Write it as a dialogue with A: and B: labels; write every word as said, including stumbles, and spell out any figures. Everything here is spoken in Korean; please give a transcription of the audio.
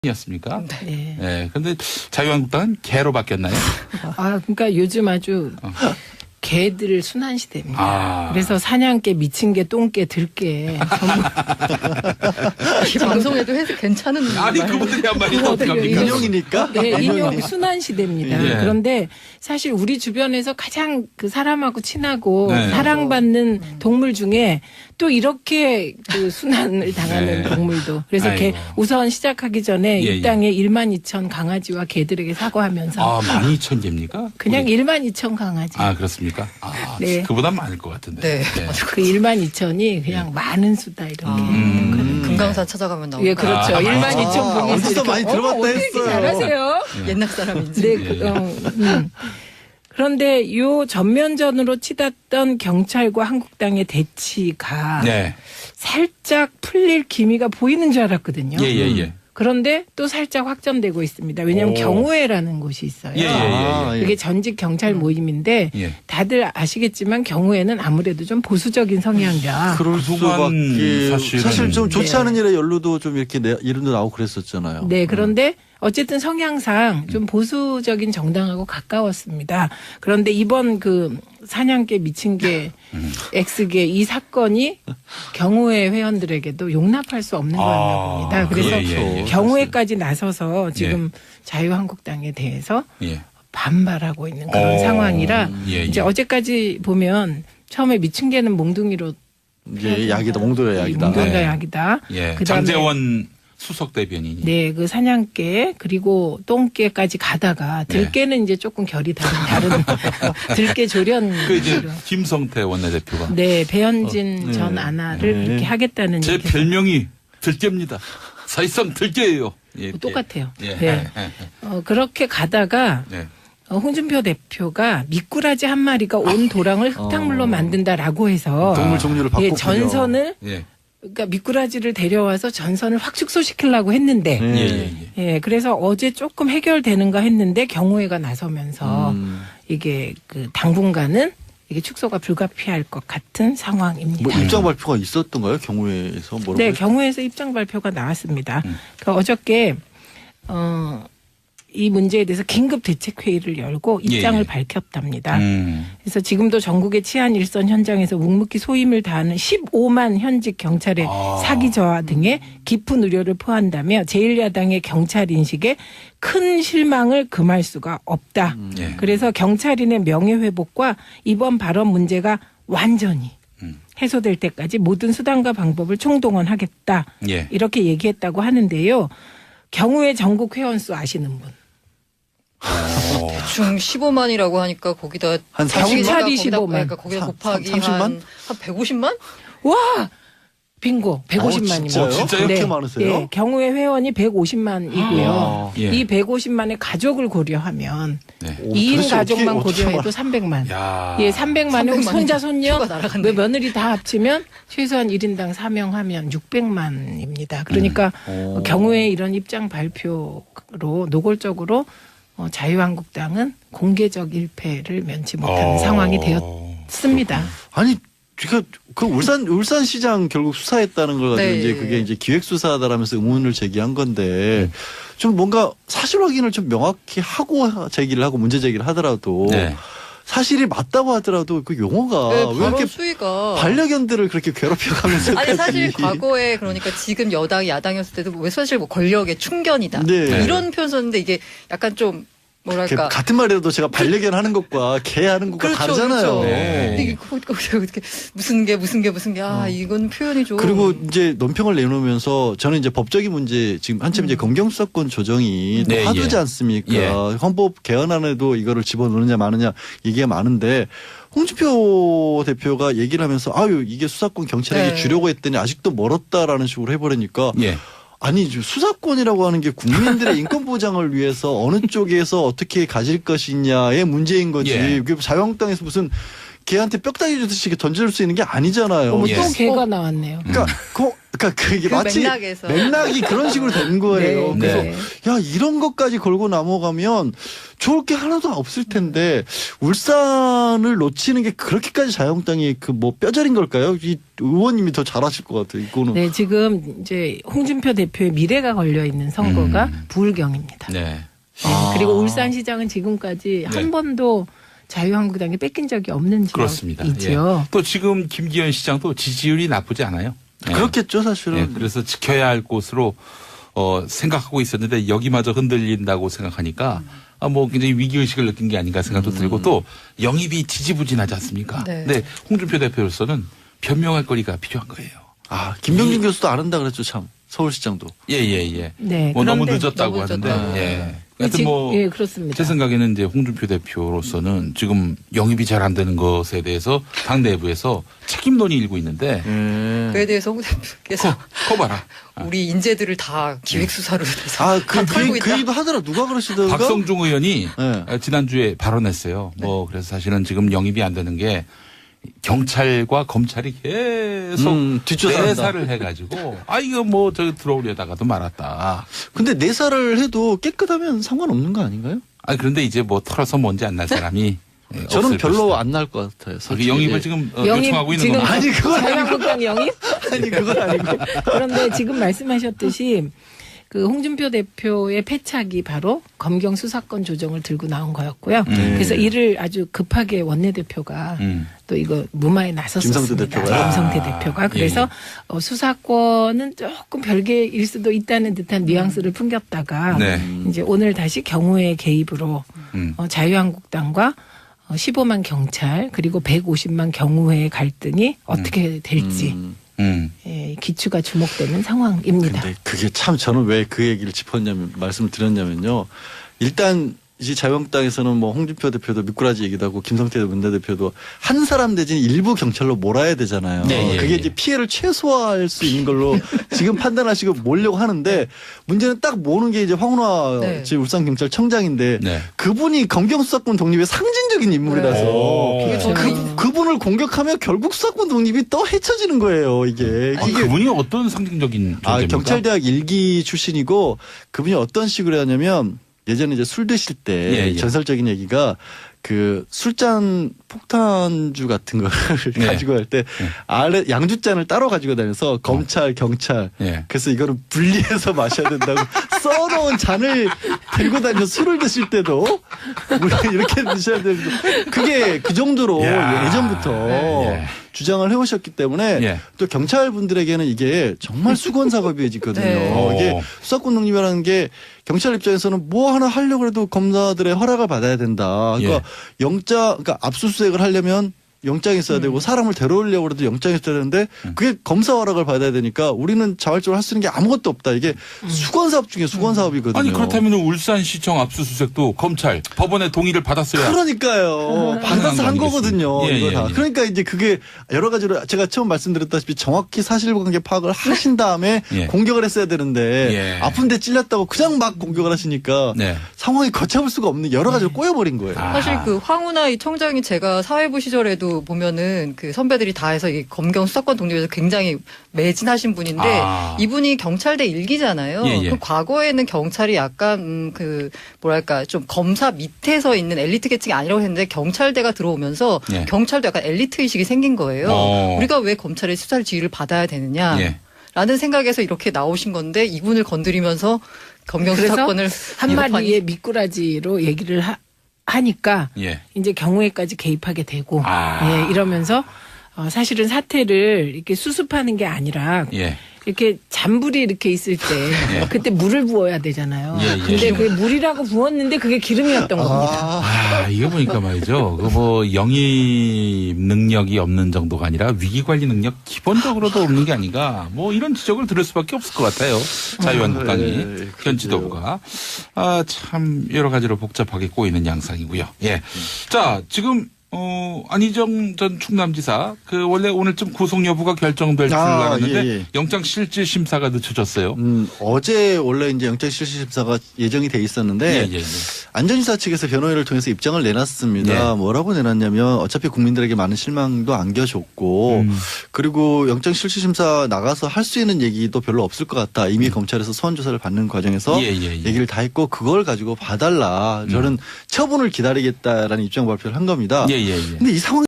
A: 이었습니까?
B: 네.
A: 네. 그런데 자유한국당은 개로 바뀌었나요?
B: 아, 그러니까 요즘 아주
A: 어.
B: 개들 순환 시대입니다.
A: 아.
B: 그래서 사냥개, 미친 개, 똥개, 들개 전부
C: 이 방송에도 해서 괜찮은
A: 아니
C: 말.
A: 그분들이 한 말이 어떡합니까?
D: 인용이니까?
B: 네, 인용 순환 시대입니다.
A: 예.
B: 그런데 사실 우리 주변에서 가장 그 사람하고 친하고
A: 네.
B: 사랑받는 동물 중에 또 이렇게 그 순환을 당하는
A: 네.
B: 동물도. 그래서 개,
A: 아이고.
B: 우선 시작하기 전에
A: 예,
B: 이 땅에 일만 이천 강아지와 개들에게 사과하면서
A: 아, 만 이천 개입니까?
B: 그냥
A: 우리-
B: 일만 이천 강아지.
A: 아, 그렇습니까? 아,
B: 네.
A: 그보다 많을 것 같은데.
C: 네.
B: 그 일만 이천이 그냥 많은 수다 이렇게.
A: 음.
C: 금강산 찾아가면 나오고.
B: 예, 그렇죠.
A: 아,
B: 일만
A: 아,
B: 이천 분이
D: 어디서 많이 들어봤다 했어요.
B: 잘하세요.
C: 옛날 사람인지.
B: 네, 그, 어, 음. 그런데 요 전면전으로 치닫던 경찰과 한국당의 대치가
A: 네.
B: 살짝 풀릴 기미가 보이는 줄 알았거든요.
A: 예, 예, 예.
B: 그런데 또 살짝 확전되고 있습니다. 왜냐하면
A: 오.
B: 경우회라는 곳이 있어요.
A: 예, 예, 예.
D: 아,
B: 그게 전직 경찰 모임인데
A: 예.
B: 다들 아시겠지만 경우에는 아무래도 좀 보수적인 성향이라
D: 그럴
A: 그동안
D: 수밖에
A: 사실은-
D: 사실 좀 좋지
B: 네.
D: 않은 일에 연루도 좀 이렇게 내, 이름도 나오고 그랬었잖아요.
B: 네, 그런데 어쨌든 성향상 좀 보수적인 정당하고 가까웠습니다. 그런데 이번 그 사냥개, 미친개, 엑스개 이 사건이 경우회 회원들에게도 용납할 수 없는 거였나
A: 아,
B: 봅니다. 그래서
A: 예, 예, 예.
B: 경우회까지 나서서 지금 자유한국당에 대해서
A: 예.
B: 반발하고 있는 그런
A: 어,
B: 상황이라
A: 예,
B: 이제
A: 예.
B: 어제까지 보면 처음에 미친 개는 몽둥이로
D: 이게 약이다, 몽돌의 약이다.
B: 몽둥이가
A: 네.
B: 약이다.
A: 예.
B: 그다음에
A: 장재원 수석 대변인이.
B: 네, 그 사냥개 그리고 똥개까지 가다가 들개는 이제 조금 결이 다른 다른 들개 조련.
A: 그 이제 김성태 원내대표가
B: 네, 배현진
D: 어, 네.
B: 전 아나를
D: 네.
B: 이렇게 하겠다는
A: 제
B: 얘기가
A: 별명이 들개입니다. 사실상 들개예요. 예.
B: 똑같아요.
A: 예.
B: 네. 어, 그렇게 가다가
A: 네.
B: 어, 홍준표 대표가 미꾸라지 한 마리가 온 도랑을 흙탕물로
D: 어.
B: 만든다라고 해서
D: 동물 종류를
B: 예,
D: 바꿨군요.
B: 전선을
A: 예.
B: 그러니까 미꾸라지를 데려와서 전선을 확 축소시키려고 했는데
D: 네.
A: 예, 예, 예.
B: 예, 그래서 어제 조금 해결되는가 했는데 경우회가 나서면서
D: 음.
B: 이게 그 당분간은 이게 축소가 불가피할 것 같은 상황입니다.
D: 뭐 입장 발표가 있었던가요? 경우에서 뭐라고?
B: 네,
D: 했-
B: 경우에서 입장 발표가 나왔습니다.
A: 음.
B: 그 어저께 어, 이 문제에 대해서 긴급 대책 회의를 열고 입장을
A: 예, 예.
B: 밝혔답니다.
A: 음.
B: 그래서 지금도 전국의 치안 일선 현장에서 묵묵히 소임을 다하는 십오만 현직 경찰의
A: 아.
B: 사기 저하 등의 깊은 우려를 표한다며 제일 야당의 경찰 인식에 큰 실망을 금할 수가 없다.
A: 예.
B: 그래서 경찰인의 명예회복과 이번 발언 문제가 완전히
A: 음.
B: 해소될 때까지 모든 수단과 방법을 총동원하겠다.
A: 예.
B: 이렇게 얘기했다고 하는데요. 경우의 전국 회원수 아시는 분?
A: 어.
C: 중 십오만이라고 하니까 거기다
D: 한
C: 자기가
B: 경찰이
C: 거기다-
B: 십오만.
C: 그러니까 거기다
D: 삼-
C: 곱하기
D: 삼십만?
C: 한, 한 백오십만?
B: 와! 빙고 백오십만입니다.
D: 진짜요?
A: 진짜요?
D: 그렇게 많으세요?
B: 예, 경우의 회원이 백오십만이고요.
D: 아.
B: 이 백오십만의 가족을 고려하면
A: 네.
D: 오,
B: 이 인
D: 도대체
B: 가족만
D: 어떻게- 어떻게
B: 고려해도
D: 말-
B: 삼백만.
A: 야.
B: 예, 삼백만에
C: 삼백만
B: 손자 손녀
C: 표가 날아갔네.
B: 왜 며느리 다 합치면 최소한 일 인당 사 명 하면 육백만입니다. 그러니까
D: 음.
B: 어, 경우에 이런 입장 발표로 노골적으로 어, 자유한국당은 공개적 일패를 면치 못하는
A: 어.
B: 상황이 되었습니다.
D: 아니, 그러니까 그 울산 울산시장 결국 수사했다는 걸 가지고
C: 네.
D: 이제 그게 이제 기획 수사다라면서 의문을 제기한 건데 좀 뭔가 사실 확인을 좀 명확히 하고 제기를 하고 문제 제기를 하더라도
A: 네.
D: 사실이 맞다고 하더라도 그 용어가
C: 네,
D: 왜
C: 발언
D: 이렇게
C: 수위가.
D: 반려견들을 그렇게 괴롭혀가면서
C: 아니 사실 과거에 그러니까 지금 여당이 야당이었을 때도 왜 사실 뭐 권력의 충견이다
D: 네.
C: 이런 표현 썼는데 이게 약간 좀 뭐랄까
D: 같은 말이라도 제가 반려견 하는 것과 개 하는 것과
C: 그렇죠,
D: 다르잖아요.
C: 그렇죠.
A: 네.
C: 근데 이게 거- 거- 어떻게 무슨 게 무슨 게 무슨 게아 이건 표현이 좀
D: 그리고 이제 논평을 내놓으면서 저는 이제 법적인 문제 지금 한참 이제 검경수사권 조정이 또
A: 네,
D: 화두지
A: 예.
D: 않습니까?
A: 예.
D: 헌법 개헌안에도 이거를 집어넣느냐 마느냐 얘기가 많은데 홍준표 대표가 얘기를 하면서 아유 이게 수사권 경찰에게
C: 네.
D: 주려고 했더니 아직도 멀었다라는 식으로 해버리니까
A: 예.
D: 아니 수사권이라고 하는 게 국민들의 인권 보장을 위해서 어느 쪽에서 어떻게 가질 것이냐의 문제인 거지.
A: 예.
D: 그게 자유한국당에서 무슨 걔한테 뼈다귀 주듯이 이렇게 던질 수 있는 게 아니잖아요.
B: 어머,
A: 예.
B: 또 개가 나왔네요.
D: 그러니까 그, 그러니까 그게
C: 그
D: 마치
C: 맥락에서.
D: 맥락이 그런 식으로 된 거예요.
B: 네,
D: 그래서
B: 네.
D: 야 이런 것까지 걸고 넘어가면 좋을 게 하나도 없을 텐데 울산을 놓치는 게 그렇게까지 자유한국당이 그 뭐 뼈저린 걸까요? 이 의원님이 더 잘하실 것 같아요. 이거는.
B: 네, 지금 이제 홍준표 대표의 미래가 걸려 있는 선거가
A: 음.
B: 부울경입니다.
A: 네.
B: 네,
D: 아.
B: 그리고 울산시장은 지금까지
A: 네.
B: 한 번도 자유한국당에 뺏긴 적이 없는
A: 그렇습니다.
B: 지역이죠.
A: 예. 또 지금 김기현 시장도 지지율이 나쁘지 않아요. 예.
D: 그렇겠죠 사실은.
A: 예, 그래서 지켜야 할 곳으로 어, 생각하고 있었는데 여기마저 흔들린다고 생각하니까 아, 뭐 굉장히 위기의식을 느낀 게 아닌가 생각도 들고 또 영입이 지지부진하지 않습니까?
C: 네.
A: 근데 홍준표 대표로서는 변명할 거리가 필요한 거예요.
D: 아 김병준 교수도 안 한다 그랬죠 참 서울시장도.
A: 예, 예, 예.
B: 네,
A: 뭐 너무
B: 그런데
A: 늦었다고
C: 너무
A: 하는데,
C: 늦었다.
A: 예.
B: 그
A: 하여튼
B: 지-
A: 뭐,
B: 예, 그렇습니다.
A: 제 생각에는 이제 홍준표 대표로서는 지금 영입이 잘 안 되는 것에 대해서 당 내부에서 책임론이 일고 있는데,
D: 예.
C: 그에 대해서 홍 대표께서
A: 커 봐라.
C: 우리 인재들을 다 기획수사로 돼서
D: 아,
C: 다
D: 그, 그,
C: 털고
D: 그
C: 있다.
D: 얘기도 하더라. 누가 그러시더라?
A: 박성중 의원이
D: 네.
A: 어, 지난주에 발언했어요. 뭐 그래서 사실은 지금 영입이 안 되는 게 경찰과 검찰이 계속
D: 음, 뒷조사한다.
A: 내사를 해가지고 아 이거 뭐 저기 들어오려다가도 말았다.
D: 근데 내사를 해도 깨끗하면 상관없는 거 아닌가요?
A: 아 그런데 이제 뭐 털어서 먼지 안 날 사람이 예,
D: 저는
A: 없을
D: 별로
A: 것이다.
D: 안 날 것 같아요.
A: 그
D: 솔직히.
A: 영입을 지금 어,
B: 영입
A: 요청하고 있는
B: 지금
A: 겁니다.
D: 아니, 그건 아니고.
B: 자유한국당 영입?
D: 아니 그건 아니고.
B: 그런데 지금 말씀하셨듯이 그 홍준표 대표의 패착이 바로 검경 수사권 조정을 들고 나온 거였고요.
A: 네.
B: 그래서 이를 아주 급하게 원내대표가
A: 음.
B: 또 이거 무마에 나섰었습니다.
D: 김성태 대표가요?
B: 김성태
A: 아,
B: 대표가.
A: 예,
B: 그래서
A: 예.
B: 어, 수사권은 조금 별개일 수도 있다는 듯한 뉘앙스를 풍겼다가
A: 네.
B: 이제 오늘 다시 경호의 개입으로
A: 음.
B: 어, 자유한국당과 어, 십오만 경찰 그리고 백오십만 경호의 갈등이 어떻게 될지
D: 음.
A: 음.
B: 예, 기추가 주목되는 상황입니다.
D: 근데 그게 참 저는 왜 그 얘기를 짚었냐면 말씀을 드렸냐면요. 일단 이제 자유한국당에서는 뭐 홍준표 대표도 미꾸라지 얘기도 하고 김성태 원내대표도 한 사람 대신 일부 경찰로 몰아야 되잖아요.
A: 네, 예,
D: 그게
A: 예.
D: 이제 피해를 최소화할 수 있는 걸로 지금 판단하시고 몰려고 하는데 문제는 딱 모는 게 이제 황운하
C: 네.
D: 지금 울산경찰청장인데
A: 네.
D: 그분이 검경수사권 독립의 상징적인 인물이라서
A: 오.
C: 그게
B: 그렇죠.
C: 저는
D: 그, 그분을 공격하면 결국 수사권 독립이 또 헤쳐지는 거예요. 이게.
A: 아니,
D: 이게
A: 그분이 어떤 상징적인
D: 아,
A: 존재입니까?
D: 경찰대학 일기 출신이고 그분이 어떤 식으로 하냐면 예전에 이제 술 드실 때
A: 예, 예.
D: 전설적인 얘기가 그 술잔 폭탄주 같은 거를
A: 네.
D: 가지고 갈 때 아래 양주잔을 따로 가지고 다녀서 검찰 경찰
A: 예.
D: 그래서 이거를 분리해서 마셔야 된다고 써놓은 잔을 들고 다녀서 술을 드실 때도 우리 이렇게 드셔야 되는 거 그게 그 정도로
A: 야.
D: 예전부터
A: 예.
D: 주장을 해오셨기 때문에
A: 예.
D: 또 경찰분들에게는 이게 정말 수건 작업이어지거든요.
C: 네.
D: 이게 수사권 독립이라는 게 경찰 입장에서는 뭐 하나 하려고 해도 검사들의 허락을 받아야 된다. 그러니까
A: 예.
D: 영장, 그러니까 압수수색을 하려면 영장이 있어야 되고 사람을 데려오려고 해도 영장이 있어야 되는데 그게 검사 허락을 받아야 되니까 우리는 자발적으로 할 수 있는 게 아무것도 없다. 이게 수건 사업 중에 수건 사업이거든요.
A: 아니 그렇다면 울산시청 압수수색도 검찰 법원의 동의를 받았어야
D: 그러니까요. 받아서 한
A: 거
D: 거거든요.
A: 아니겠습니까? 예,
D: 이거
A: 예,
D: 다.
A: 예.
D: 그러니까 이제 그게 여러 가지로 제가 처음 말씀드렸다시피 정확히 사실관계 파악을 하신 다음에
A: 예.
D: 공격을 했어야 되는데
A: 예.
D: 아픈데 찔렸다고 그냥 막 공격을 하시니까
A: 네.
D: 상황이 걷잡을 수가 없는 여러 가지로 꼬여버린 거예요.
A: 아.
C: 사실 그 황운하 이 청장이 제가 사회부 시절에도 보면은 그 선배들이 다 해서 이 검경 수사권 독립에서 굉장히 매진하신 분인데
A: 아.
C: 이분이 경찰대 일기잖아요.
A: 예, 예.
C: 그 과거에는 경찰이 약간 음, 그 뭐랄까 좀 검사 밑에서 있는 엘리트 계층이 아니라고 했는데 경찰대가 들어오면서
A: 예.
C: 경찰도 약간 엘리트 의식이 생긴 거예요.
A: 어.
C: 우리가 왜 검찰의 수사를 지휘를 받아야 되느냐.
A: 예.
C: 라는 생각에서 이렇게 나오신 건데 이분을 건드리면서 검경
B: 그래서
C: 수사권을
B: 한마디의 미꾸라지로 얘기를 하, 하니까
A: 예.
B: 이제 경호에까지 개입하게 되고
A: 아.
B: 예, 이러면서 어, 사실은 사태를 이렇게 수습하는 게 아니라
A: 예.
B: 이렇게 잔불이 이렇게 있을 때
A: 예.
B: 그때 물을 부어야 되잖아요.
A: 예, 예.
B: 근데 그게 물이라고 부었는데 그게 기름이었던 겁니다.
A: 아, 이거 보니까 말이죠. 그 뭐 영입 능력이 없는 정도가 아니라 위기 관리 능력 기본적으로도 없는 게 아닌가. 뭐 이런 지적을 들을 수밖에 없을 것 같아요. 자유한국당이
D: 예,
A: 현
D: 그러게요.
A: 지도부가 아, 참 여러 가지로 복잡하게 꼬이는 양상이고요. 예. 자, 지금 어, 안희정 전 충남지사, 그, 원래 오늘쯤 구속 여부가 결정될 줄
D: 아,
A: 알았는데,
D: 예, 예.
A: 영장 실질 심사가 늦춰졌어요.
D: 음, 어제 원래 이제 영장실시심사가 예정이 돼 있었는데
A: 예, 예, 예.
D: 안전지사 측에서 변호인을 통해서 입장을 내놨습니다.
A: 네.
D: 뭐라고 내놨냐면 어차피 국민들에게 많은 실망도 안겨줬고
A: 음.
D: 그리고 영장실시심사 나가서 할 수 있는 얘기도 별로 없을 것 같다. 이미 검찰에서 소환 조사를 받는 과정에서
A: 음. 예, 예, 예.
D: 얘기를 다 했고 그걸 가지고 봐달라. 저는 처분을 기다리겠다라는 입장 발표를 한 겁니다.
A: 예, 예, 예.
D: 근데 이 상황